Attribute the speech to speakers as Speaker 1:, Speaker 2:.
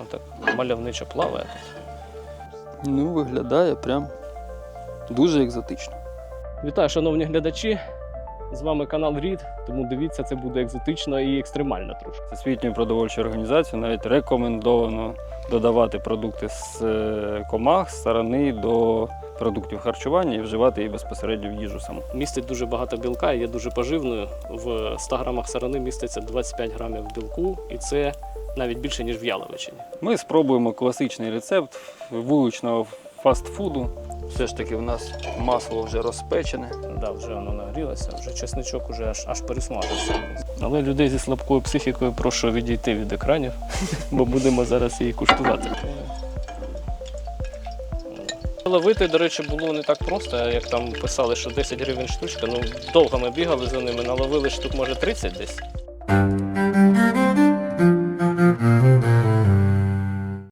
Speaker 1: Отак мальовничо плаває.
Speaker 2: Ну, виглядає прям дуже екзотично.
Speaker 1: Вітаю, шановні глядачі! З вами канал Рід, тому дивіться, це буде екзотично і екстремально трошки.
Speaker 2: Всесвітньою продовольчою організацією навіть рекомендовано додавати продукти з комах, з сарани до продуктів харчування і вживати її безпосередньо в їжу саму.
Speaker 1: Містить дуже багато білка і є дуже поживною. В 100 грамах сарани міститься 25 грамів білку, і це навіть більше, ніж в яловичині.
Speaker 2: Ми спробуємо класичний рецепт вуличного фастфуду. Все ж таки в нас масло вже розпечене.
Speaker 1: Да, вже воно нагрілося, вже чесничок уже аж пересмажився. Але людей зі слабкою психікою прошу відійти від екранів, бо будемо зараз її куштувати. Ловити, до речі, було не так просто, як там писали, що 10 гривень штучка. Ну, довго ми бігали за ними, наловили штук, може, 30 десь.